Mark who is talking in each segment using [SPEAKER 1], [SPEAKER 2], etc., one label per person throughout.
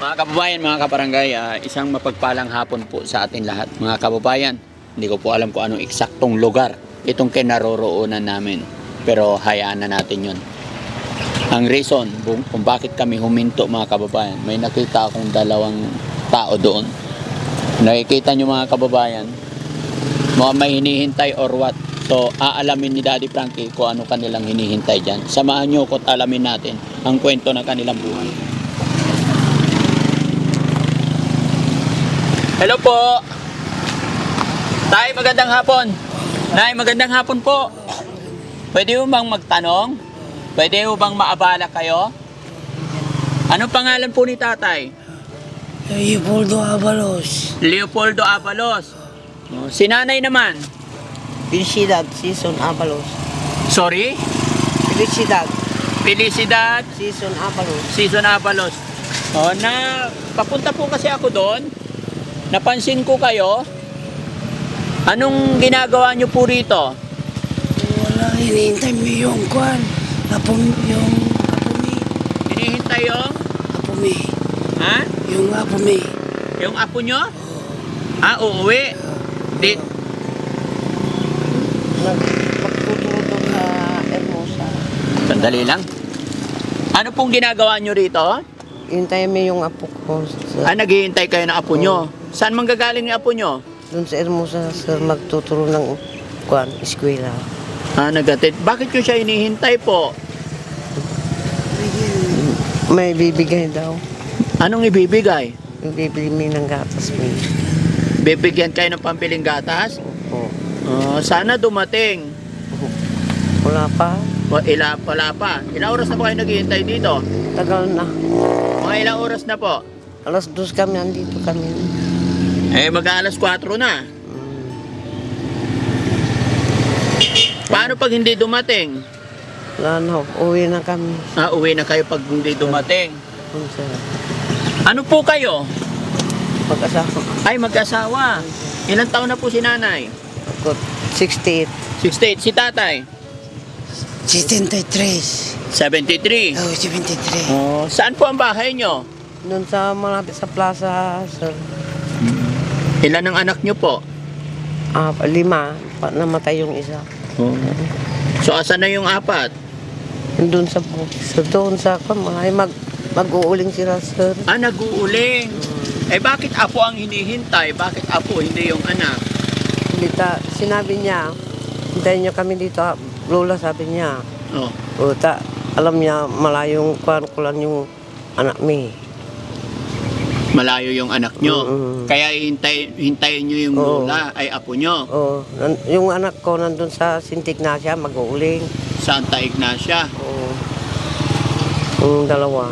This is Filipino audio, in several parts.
[SPEAKER 1] Mga kababayan, mga kabarangay, isang mapagpalang hapon po sa atin lahat. Mga kababayan, hindi ko po alam kung anong eksaktong lugar itong kinaroroonan namin. Pero hayaan na natin yun. Ang reason kung bakit kami huminto, mga kababayan, may nakita akong dalawang tao doon. Nakikita nyo, mga kababayan, mga may hinihintay or what. So, aalamin ni Daddy Frankie kung ano kanilang hinihintay dyan. Samahan nyo ko at alamin natin ang kwento ng kanilang buhay. Hello po! Tay, magandang hapon! Nay, magandang hapon po! Pwede mo bang magtanong? Pwede mo bang maabala kayo? Anong pangalan po ni tatay?
[SPEAKER 2] Leopoldo Avalos.
[SPEAKER 1] Leopoldo Avalos. Si nanay naman?
[SPEAKER 2] Felicidad Season Avalos.
[SPEAKER 1] Sorry?
[SPEAKER 2] Felicidad
[SPEAKER 1] Felicidad
[SPEAKER 2] Season Avalos.
[SPEAKER 1] Season Avalos. Papunta po kasi ako doon. Napansin ko kayo. Anong ginagawa nyo po rito?
[SPEAKER 2] Wala, hinihintay mo yung kwan. Apo mi.
[SPEAKER 1] Hinihintay yung?
[SPEAKER 2] Apo mi.
[SPEAKER 1] Ha?
[SPEAKER 2] Yung apo mi.
[SPEAKER 1] Yung apo nyo? Uuwi.
[SPEAKER 2] Magtuturo doon sa Hermosa.
[SPEAKER 1] Sandali lang. Ano pong ginagawa nyo rito?
[SPEAKER 2] Hintayin mo yung apo ko.
[SPEAKER 1] Naghihintay kayo ng apo nyo. Saan manggagaling yung apo nyo?
[SPEAKER 2] Doon sa Hermosa, sir, magtuturo ng kwan, eskwela.
[SPEAKER 1] Nagatid. Bakit nyo siya hinihintay po?
[SPEAKER 2] May bibigay daw.
[SPEAKER 1] Anong ibibigay?
[SPEAKER 2] Yung bibili mo ng gatas mo.
[SPEAKER 1] Bibigyan kayo ng pampiling gatas?
[SPEAKER 2] Oo.
[SPEAKER 1] Sana dumating.
[SPEAKER 2] Wala pa.
[SPEAKER 1] Wala pa. Ilang oras na po kayo naghihintay dito?
[SPEAKER 2] Tagal na.
[SPEAKER 1] Mga ilang oras na po?
[SPEAKER 2] Alas 2 kami, andito kami.
[SPEAKER 1] Mag-aalas 4 na. Paano pag hindi dumating?
[SPEAKER 2] Wala na, uwi na kami.
[SPEAKER 1] Uwi na kayo pag hindi dumating.
[SPEAKER 2] Sir.
[SPEAKER 1] Ano po kayo?
[SPEAKER 2] Mag-asawa.
[SPEAKER 1] Ay, mag-asawa. Ilang taon na po si nanay?
[SPEAKER 2] Ako, 68.
[SPEAKER 1] 68. Si tatay?
[SPEAKER 2] 73.
[SPEAKER 1] 73.
[SPEAKER 2] Oh, 73.
[SPEAKER 1] Saan po ang bahay nyo?
[SPEAKER 2] Doon sa malapit sa plaza, sir.
[SPEAKER 1] Ilan ang anak nyo po?
[SPEAKER 2] 5. Namatay yung isa.
[SPEAKER 1] So, asan na yung 4?
[SPEAKER 2] Doon sa doon sa kamay, mag-uuling sila, sir.
[SPEAKER 1] Nag-uuling. Bakit apo ang hinihintay? Bakit apo, hindi yung anak?
[SPEAKER 2] Sinabi niya, hintayin niyo kami dito, Lola, sabi niya. Alam niya, malayong kwan ko lang yung anak mi.
[SPEAKER 1] Malayo yung anak nyo. Kaya hintayin nyo yung lola, ay apo nyo.
[SPEAKER 2] Yung anak ko nandun sa Santa Ignacia, mag-uuling.
[SPEAKER 1] Santa Ignacia.
[SPEAKER 2] Yung dalawa.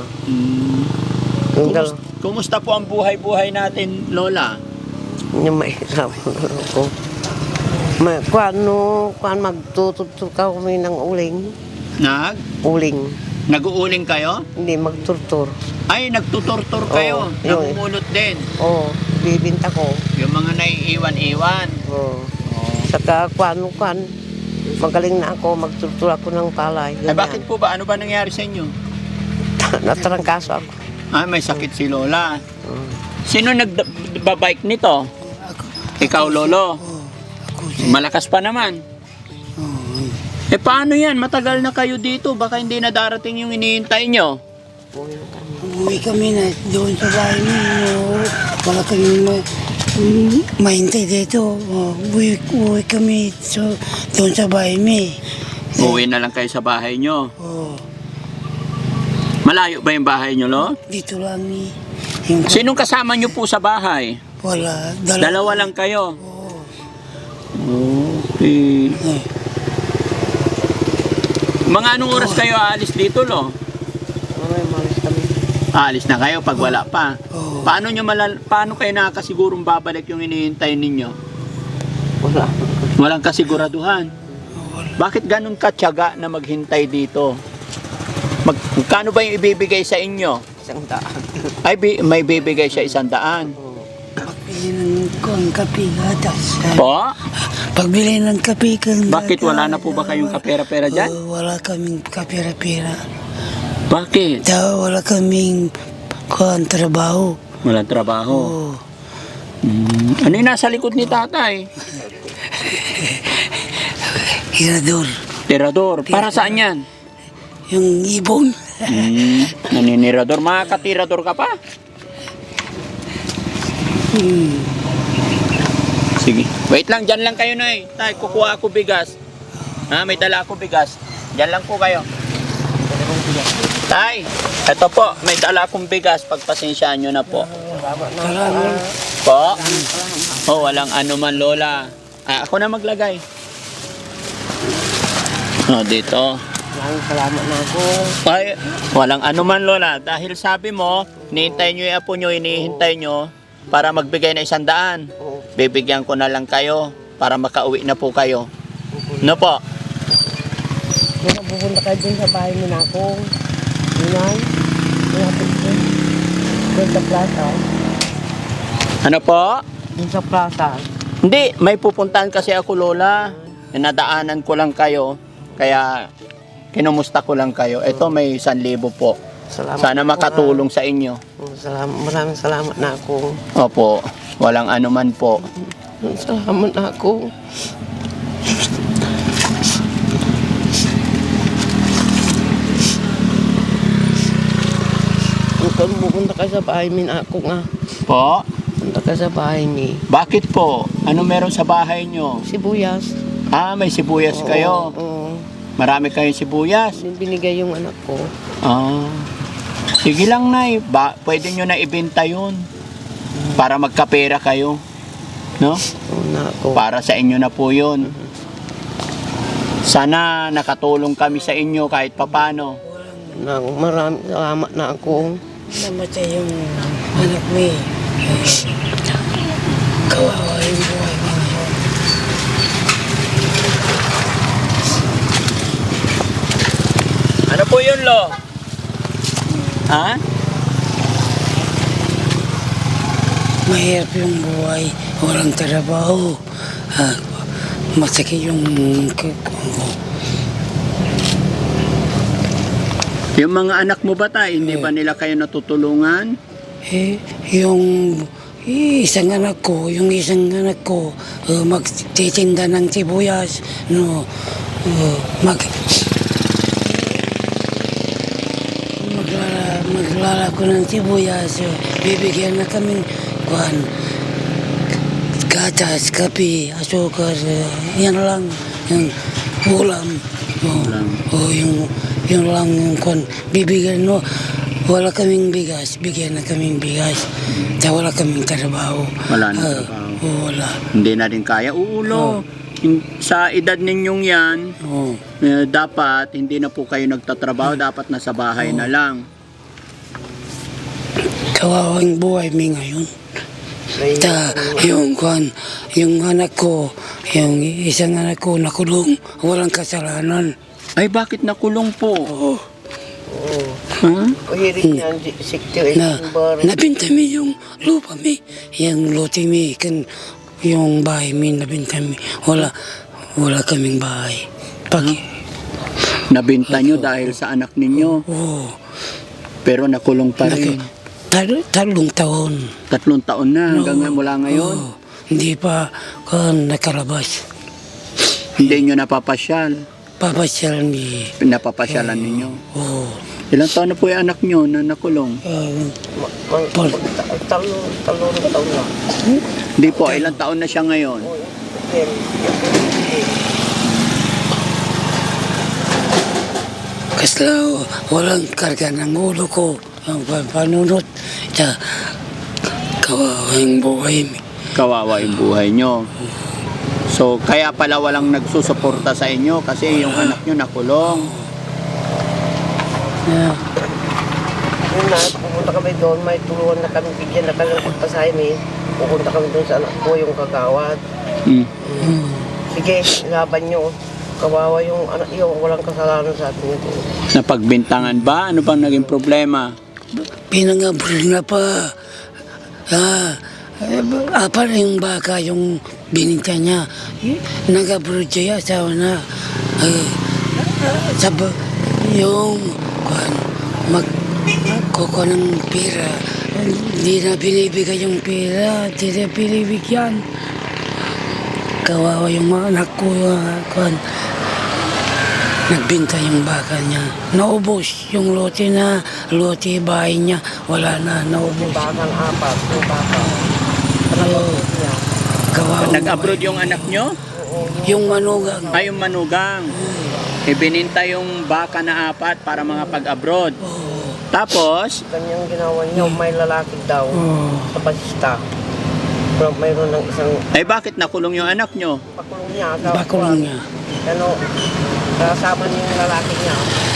[SPEAKER 1] Kumusta po ang buhay-buhay natin, lola?
[SPEAKER 2] Yung mahirap ko. Magtutur ka kami ng uling. Uling.
[SPEAKER 1] Nag-uuling kayo?
[SPEAKER 2] Hindi, magturtur.
[SPEAKER 1] Ay, nagtuturtur kayo. Namumulot din.
[SPEAKER 2] Bibinta ko.
[SPEAKER 1] Yung mga naiiwan-iwan.
[SPEAKER 2] Saka magaling na ako, magturtur ako ng palay.
[SPEAKER 1] Bakit po ba? Ano ba nangyari sa inyo?
[SPEAKER 2] Natrangkaso ako.
[SPEAKER 1] May sakit si lola. Sino nagbabike nito? Ikaw, lolo? Malakas pa naman. Paano yan? Matagal na kayo dito. Baka hindi na darating yung hinihintay nyo.
[SPEAKER 2] Uwi kami na doon sa bahay niyo. Wala kami mahintay dito. Uwi kami doon sa bahay mi.
[SPEAKER 1] Uwi na lang kayo sa bahay nyo. Malayo ba yung bahay nyo, lo?
[SPEAKER 2] Dito lang ni.
[SPEAKER 1] Sinong kasama nyo po sa bahay?
[SPEAKER 2] Wala.
[SPEAKER 1] Dalawa lang kayo? Okay. Mga anong oras kayo aalis dito, lo?
[SPEAKER 2] Malis kami.
[SPEAKER 1] Aalis na kayo pag wala pa. Paano kayo nakakasigurong babalik yung hinihintay ninyo?
[SPEAKER 2] Wala.
[SPEAKER 1] Walang kasiguraduhan. Bakit ganun katyaga na maghintay dito? Magkano ba yung ibibigay sa inyo?
[SPEAKER 2] 100.
[SPEAKER 1] May bibigay siya 100.
[SPEAKER 2] Pagbili ng kape, gatas.
[SPEAKER 1] Po?
[SPEAKER 2] Pagbili ng kape,
[SPEAKER 1] Bakit wala na po ba kayong kapera-pera dyan?
[SPEAKER 2] Wala kaming kapera-pera.
[SPEAKER 1] Bakit?
[SPEAKER 2] Wala kaming kuan trabaho.
[SPEAKER 1] Walang trabaho.
[SPEAKER 2] Oo.
[SPEAKER 1] Ano yung nasa likod ni tatay?
[SPEAKER 2] Hirador.
[SPEAKER 1] Tirador. Para saan yan?
[SPEAKER 2] Yung ibon.
[SPEAKER 1] Naninirador. Makakatirador ka pa? Sige. Wait lang, dyan lang kayo na Tay, kukuha ako bigas. Ha, may dala ako bigas. Dyan lang po kayo. Tay, eto po, may dala akong bigas. Pagpasensyaan nyo na po.
[SPEAKER 2] Salamat.
[SPEAKER 1] Po? Oh, walang ano man, Lola. Ako na maglagay. Oh, dito.
[SPEAKER 3] Maraming salamat na ako.
[SPEAKER 1] Ay, walang ano man, Lola. Dahil sabi mo, hinihintay nyo yung apo nyo, hinihintay nyo para magbigay na 100. Bibigyan ko na lang kayo para makauwi na po kayo. No po?
[SPEAKER 3] Kung pupunta kayo dun sa bahay mo na ako. Yunay. Malapit dun. Dun sa plaza.
[SPEAKER 1] Ano po?
[SPEAKER 3] Dun sa plaza.
[SPEAKER 1] Hindi, may pupuntahan kasi ako, Lola. Nadaanan ko lang kayo. Kaya, kinumusta ko lang kayo. Ito, may 1,000 po.
[SPEAKER 3] Salamat.
[SPEAKER 1] Sana makatulong sa inyo.
[SPEAKER 3] Salamat. Maraming salamat na ako.
[SPEAKER 1] Opo, walang ano man po.
[SPEAKER 3] Salamat na ako. Kung pupunta ka sa bahay min ako nga.
[SPEAKER 1] Po?
[SPEAKER 3] Punta ka sa bahay ni
[SPEAKER 1] Bakit po? Ano meron sa bahay nyo?
[SPEAKER 3] Sibuyas.
[SPEAKER 1] May sibuyas kayo.
[SPEAKER 3] Oo.
[SPEAKER 1] Marami kayong sibuyas.
[SPEAKER 3] Binigay yung anak ko.
[SPEAKER 1] Sige lang, Nay. Pwede nyo na ibenta yun. Para magkapera kayo. No?
[SPEAKER 3] Oo na ako.
[SPEAKER 1] Para sa inyo na po yun. Sana nakatulong kami sa inyo kahit papano.
[SPEAKER 3] Maraming salamat na ako.
[SPEAKER 2] Namatay yung anak mo eh. Kawawa yung buhay mo ngayon.
[SPEAKER 1] Ano po yun, Lo? Ha?
[SPEAKER 2] Mahirap yung buhay. Walang trabaho. Masakit yung
[SPEAKER 1] Yung mga anak mo ba tayo, hindi ba nila kayo natutulungan?
[SPEAKER 2] yung isang anak ko, magtitinda ng sibuyas, no, maglalako ng sibuyas, bibigyan na kaming kuhan, gatas, kape, asukar, yan lang, yung ulam, yung lang yung kuhan, bibigyan, no, wala kaming bigas, bigyan na kaming bigas. Wala kaming trabaho.
[SPEAKER 1] Wala na trabaho.
[SPEAKER 2] Wala.
[SPEAKER 1] Hindi na rin kaya. Ulo. Sa edad ninyong yan, dapat hindi na po kayo nagtatrabaho. Dapat nasa bahay na lang.
[SPEAKER 2] Kawawang buhay mi ngayon. Yung anak ko, yung isang anak ko nakulong, walang kasalanan.
[SPEAKER 1] Ay, bakit nakulong po?
[SPEAKER 2] Oo.
[SPEAKER 3] Hiring niya, 68 bar.
[SPEAKER 2] Nabinta mi yung lupa mi, yung lote mi, yung bahay mi, nabinta mi. Wala kaming bahay.
[SPEAKER 1] Nabinta nyo dahil sa anak ninyo.
[SPEAKER 2] Oo.
[SPEAKER 1] Pero nakulong pa rin.
[SPEAKER 2] 3 taon.
[SPEAKER 1] 3 taon na hanggang mula ngayon.
[SPEAKER 2] Oo. Hindi pa nakalabas.
[SPEAKER 1] Hindi nyo napapasyal.
[SPEAKER 2] Papasyal mi.
[SPEAKER 1] Napapasyalan ninyo.
[SPEAKER 2] Oo.
[SPEAKER 1] Ilang taon na po yung anak nyo na nakulong?
[SPEAKER 3] Talong taon na.
[SPEAKER 1] Hindi po, ilang taon na siya ngayon?
[SPEAKER 2] Kasla, walang karga ng ulo ko. Ang panunot. Kawawa yung buhay mi.
[SPEAKER 1] Kawawa yung buhay nyo. So, kaya pala walang nagsusuporta sa inyo kasi yung anak nyo nakulong.
[SPEAKER 3] Yun na, pupunta kami doon, may tulungan na kami, bigyan na kami ng pagpasahin eh. Pupunta kami doon sa anak ko, yung kagawad. Sige, laban nyo. Kawawa yung anak yung walang kasalanan sa atin ito.
[SPEAKER 1] Napagbintangan ba? Ano bang naging problema?
[SPEAKER 2] Pinangabral na pa. Apa na yung baka, yung bininta niya. Nag-abroad siya, asawa na. Yung nagkukuha ng pera. Hindi na binibigay yung pera, hindi na binibigyan. Kawawa yung mga anak ko, nagbinta yung baka niya. Naubos yung lote bahay niya. Wala na, naubos.
[SPEAKER 3] Bakang apat, yung baka.
[SPEAKER 2] Oo. Kawawa.
[SPEAKER 1] Nag-abroad yung anak nyo?
[SPEAKER 2] Yung manugang.
[SPEAKER 1] Ay, yung manugang. Ibininta yung baka na 4 para mga pag-abroad. Tapos,
[SPEAKER 3] Kanyang ginawa niya, may lalaki daw
[SPEAKER 2] Oo.
[SPEAKER 3] sa basista. Pero mayroon ng isang
[SPEAKER 1] ay bakit nakulong yung anak nyo?
[SPEAKER 3] pakulong niya.
[SPEAKER 2] Bakulong niya.
[SPEAKER 3] Ano, kasama niya yung lalaki niya.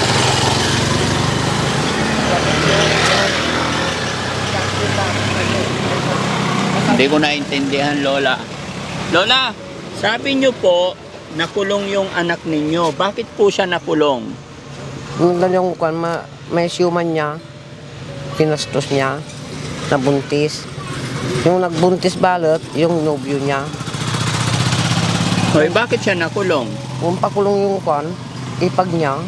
[SPEAKER 1] Hindi ko naintindihan, Lola. Lola, sabi nyo po, nakulong yung anak ninyo. Bakit po siya nakulong?
[SPEAKER 3] Yung dalawang kwan, may siyuman niya, pinastos niya, nabuntis. Yung nagbuntis balot, yung nobyo niya.
[SPEAKER 1] Hoy, bakit siya nakulong?
[SPEAKER 3] Kung pakulong yung kwan, ipag niya,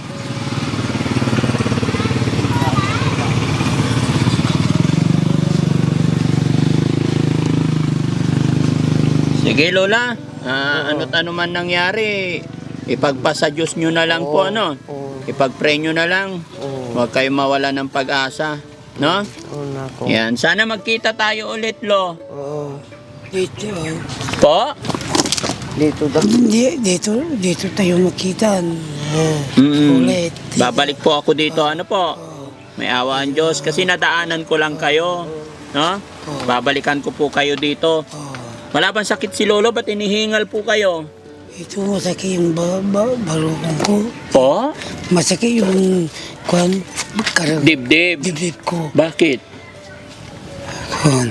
[SPEAKER 1] Sige, Lola. Ano't ano man nangyari, ipagpasa Diyos nyo na lang po, ano?
[SPEAKER 3] Oo.
[SPEAKER 1] Ipag-pray nyo na lang.
[SPEAKER 3] Oo.
[SPEAKER 1] Huwag kayo mawala ng pag-asa. No?
[SPEAKER 3] Oo na ako.
[SPEAKER 1] Yan. Sana magkita tayo ulit, Lo.
[SPEAKER 3] Oo.
[SPEAKER 2] Dito,
[SPEAKER 1] Po?
[SPEAKER 3] Dito daw.
[SPEAKER 2] dito tayo makita. Ulit.
[SPEAKER 1] Babalik po ako dito. Ano po? May awa ang Diyos. Kasi nadaanan ko lang kayo. No? Babalikan ko po kayo dito. Wala bang sakit si Lolo? Ba't inihingal po kayo?
[SPEAKER 2] Ito masakit yung balukong ko.
[SPEAKER 1] Po?
[SPEAKER 2] Masakit yung
[SPEAKER 1] Dibdib.
[SPEAKER 2] dibdib ko.
[SPEAKER 1] Bakit?
[SPEAKER 2] Kwan.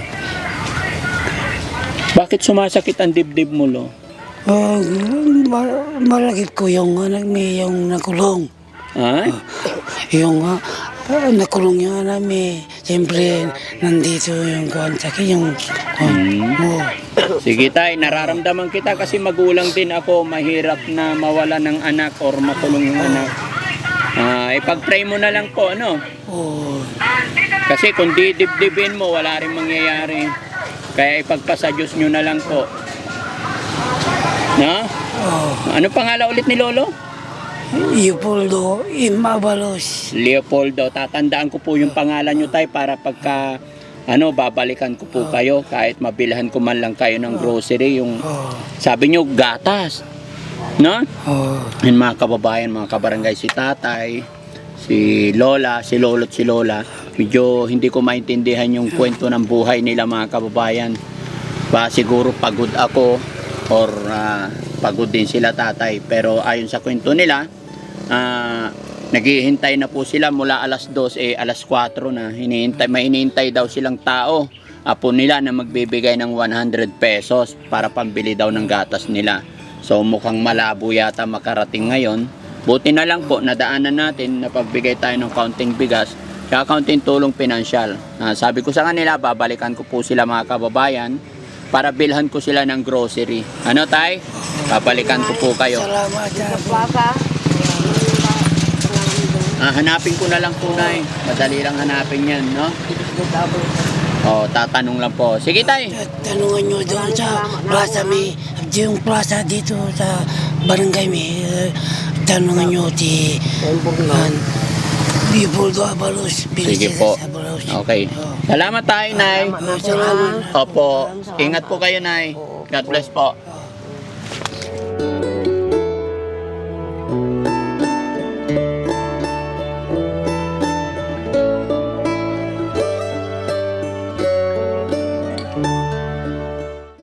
[SPEAKER 1] Bakit sumasakit ang dibdib mo, Lo?
[SPEAKER 2] Malakit ko yung anak niya yung nakulong.
[SPEAKER 1] Ha?
[SPEAKER 2] Yung nakulong yung anak niya. Siyempre, nandito yung kwan. Sakit yung kwan. Oo.
[SPEAKER 1] Sige tay, nararamdaman kita kasi magulang din ako. Mahirap na mawala ng anak or makulong yung anak. Ipag-pray mo na lang po, ano?
[SPEAKER 2] Oo.
[SPEAKER 1] Kasi kung didibdibin mo, wala rin mangyayari. Kaya ipagpasa Diyos nyo na lang po. No?
[SPEAKER 2] Oo.
[SPEAKER 1] Ano pangalan ulit ni Lolo?
[SPEAKER 2] Leopoldo Imabalos.
[SPEAKER 1] Leopoldo. Tatandaan ko po yung pangalan nyo tay para pagka babalikan ko po kayo kahit mabilhan ko man lang kayo ng grocery. Yung
[SPEAKER 2] Oo.
[SPEAKER 1] sabi nyo, gatas. No?
[SPEAKER 2] Oo.
[SPEAKER 1] Yung mga kababayan, mga kabarangay, si tatay, si lola, si lolo't si lola, medyo hindi ko maintindihan yung kwento ng buhay nila, mga kababayan. Ba siguro pagod ako or pagod din sila tatay. Pero ayon sa kwento nila, naghihintay na po sila mula alas 2, alas 4 na. May hinihintay daw silang tao, apo nila, na magbibigay ng 100 pesos para pambili daw ng gatas nila. So mukhang malabo yata makarating ngayon. Buti na lang po, nadaanan natin na pagbigay tayo ng kaunting bigas, kaya kaunting tulong pinansyal. Sabi ko sa kanila, babalikan ko po sila, mga kababayan, para bilhan ko sila ng grocery. Ano tay? Babalikan ko po kayo.
[SPEAKER 2] Salamat.
[SPEAKER 3] Plaza.
[SPEAKER 1] Hanapin ko na lang po, Nay. Madali lang hanapin yan, no? Tatanong lang po. Sige, tay.
[SPEAKER 2] Tanungan nyo doon sa plaza yung plaza dito sa barangay tanungan nyo Leopoldo Abalos.
[SPEAKER 1] Sige po. Okay. Salamat tayo, Nay.
[SPEAKER 2] Salamat.
[SPEAKER 1] Opo. Ingat po kayo, Nay. God bless po.